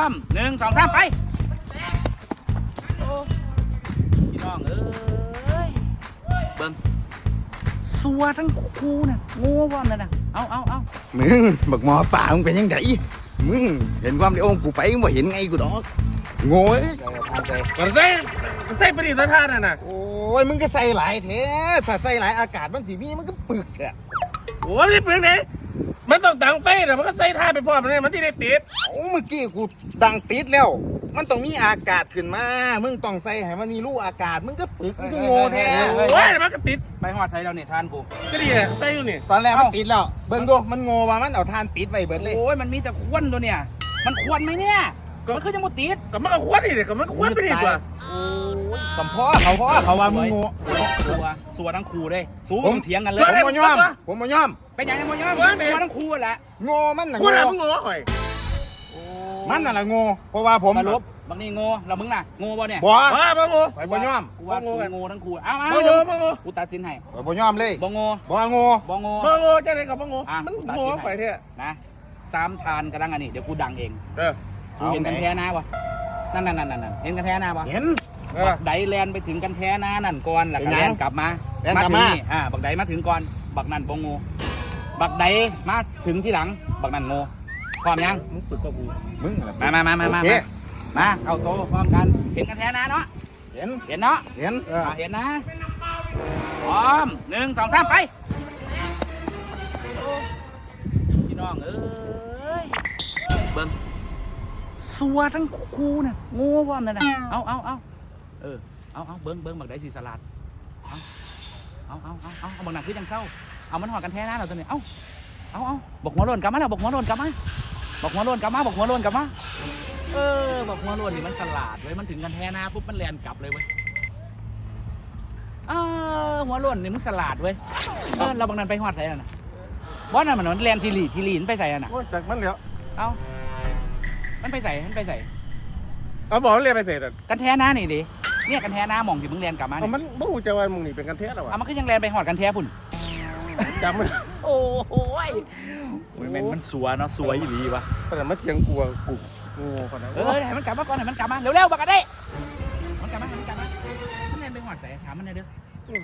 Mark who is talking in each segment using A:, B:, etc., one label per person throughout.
A: ม1 2 3ไปพี่น้องเอ้ยเบิ่งสัวทั้งคู่น่ะโง่ว่ามันน่ะเอา
B: มึงบักหมอป่ามึงเป็นยังไงมึงเห็นความในองค์กูไปมึงบ่เห็นไงกูดอกโง่ทานใจ
C: ก็ใส่ประดิษฐ์ท่าน่ะนะ
B: โอ้ยมึงก็ใส่หลายเถอะถ้าใส่หลายอากาศมันสีมีมันก็ปึกเถอะ
C: โอ้ยนี่ปืนไหนมันต้องดังไฟแต่มันก็ใส่ท่าไปพร้อมเลยมันที่ได้ติด
B: โอ้เมื่อกี้กูดังติดแล้วมันต้องมีอากาศขึ้นมามึงต้องใส่ให้มันมีรูอากาศมึงก็ปึกมึงก็โง่แท้
C: โอ้ยมันก็ติด
A: ไปหอดใส่เราเนี่ยทานกู
C: ก็ดีเลยใส่อยู่นี่
B: ตอนแรกมันติดแล้วเบิ่งดูมันโง่ว่ามันเอาทานปิดไว้เบิดเลย
A: โอ้ยมันมีแต่ควนตัวเนี่ยมันควรไหมเนี่ยมันคือจะหมดติด
C: ก็มันก็ควรนี่เลยก็มันก็ควรไปดีกว่า
B: โอ้ยสัมพ่อเขาว่ามึงโง่
A: สัวทั้งคู่เลยสู้มึงเถียงกันเลย
B: ผมบ่ยอม
A: เป็นยังไงบ่ยอมสัวทั้งคู่แหละ
B: โง่มันน่ะ
C: ควร
B: โง่
C: อะไรมึงงอข่อย
B: มันน่ะละโง่เพราะว่าผม
A: สรุปบางนี่โง่แล้วมึงน่ะโง่บ่เนี่ย
B: บ่
C: บ้าบ้าโง่
B: ไปบ่ยอม
A: กูว่าโง่ทั้งคู่เอา
C: บ้าโง่บ้าโง่
A: กูตัดสินให้
B: ไปบ่ยอมเลย
A: บ่โง่
B: บ่โง่
A: บ่โง่
C: บ้าโง่จะได้กับบ้าโง่มันโง่ข่อยเท่
A: นะ3 ทานกระดังอันนี้เดี๋ยวกูดังเอง
C: เออ
A: เห็นกันแท้นะวะนั่นเห็นกันแท้นะวะ
C: เห็น
A: บักไดแลนไปถึงกันแท้นะนั่นก่อนแล้วก็แลนกลับมาถึงนี่บักไดมาถึงก่อนบักนั่นบ่โง่บักไดมาถึงที่หลังบักนั่นโง่พร้อมยัง
C: มึงฝึกกับกู
B: มึง
A: มาเอาโตพร้อมกันเห็นกันแท้นะเนาะ
B: เห็น
A: เห็นเนาะ
B: เห็น
A: เห็นนะพร้อม1 2 3ไปพี่น้องเอ้ยเบิ่งสัวทั้งคู่น่ะโง่ว่ามันน่ะเอาเบิ่งบักไดสีสลัดเอาบักหนักคือจังเศร้าเอามันหอดกันแท้นะเราตัวนี้เอาบอกหัวโลนกลับมาแล้วบอกหัวโลนกลับมาบอกหัวโลนกลับมาบอกหัวโลนกลับมาบอกหัวโลนนี่มันสลัดเลยมันถึงกันแท้นะปุ๊บมันแลนกลับเลยเว้ยหัวโลนนี่มันสลัดเว้ยเราบางนั้นไปหอดใส่แล้วนะบอสน่ะมันแลนทีลีนไปใส่น่ะ
C: โอ้ยจากมันแล้ว
A: เอามันไปใส่
C: เอาบอกเรียนไปเสร็จอ่ะ
A: กันแท้นะนี่ดิเนี่ยกันแท้นะมองที่มึงแลนกลับมา
C: เอา
A: เนี่ย
C: มันบ่หูจะว่ามึงนี่เป็นกันเทสหรอวะ
A: มันก็ยังแลนไปหอดกันแท้พุ่น
C: จำมัน
A: โอ้โหมันสัวเนาะสัวอีหลีวะ
C: แต่มันเทียงกลัวกูงูคนนั้น
A: ให้มันกลับมาก่อนให้มันกลับมาเร็วๆบักกันได้มันกลับมามันแลนไปหอดใส่ถามมันหน่อยเด้อ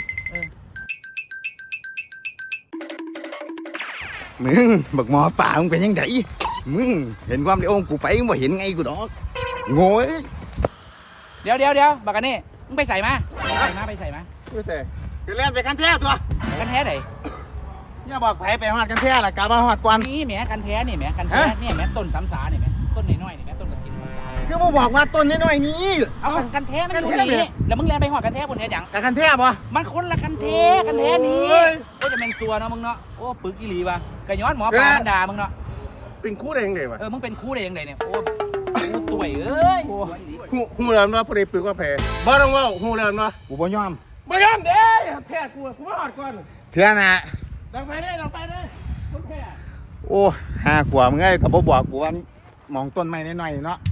B: มึงบักหมอป่ามึงเป็นยังไงมึงเห็นความในองค์กูไปมึงบ่เห็นไงกูดอกโง่
A: เดี๋ยวบักกันนี่มึงไปใส่มาไปใส่มา
C: ไม่ใช่
B: จะเล่นไปกันแท้ตัว
A: กันแท้ไหน
B: อย่าบอกไปหอดกันแท้ล่ะกลับมาหอดก่อน
A: นี่แหมกันแท้นี่แหมกันแท้นี่แหมต้นสามสานี่แหมต้นน้อยนี่แหมต้นกระถิ่นสามสา
B: คือมาบอกว่าต้นน้อยๆนี้
A: เอากันแท้มันอยู่นี่แล้วมึงแลนไปหอดกันแท้บนเนี้ยจัง
B: แต่กันแท้ปะ
A: มันคนละกันแท้นี้โอ้จะเป็นซัวเนาะมึงเนาะโอ้ปึกอีหลีวะกระย้อนหมอปลามันด่ามึงเนาะ
C: เป็นคู่ได้ยังไงวะ
A: มึงเป็นคู่ได้ยังไงเนี่ยโอ้ต่วยเอ้ย
C: หูเริ่มว่าพอดีปึกว่าแพ้บ้าต้องว่าหูเริ่มว่า
B: กูบ่ยอม
C: บ่ยอมเด้แพ้กูมาหอดก่อน
B: เถื่อน่ะ
C: ดังไปได้ต้องแพ้
B: โอ้5 ขวบมึงไงกับบ่บอกกูว่ามองต้นไม้น้อยๆเนาะ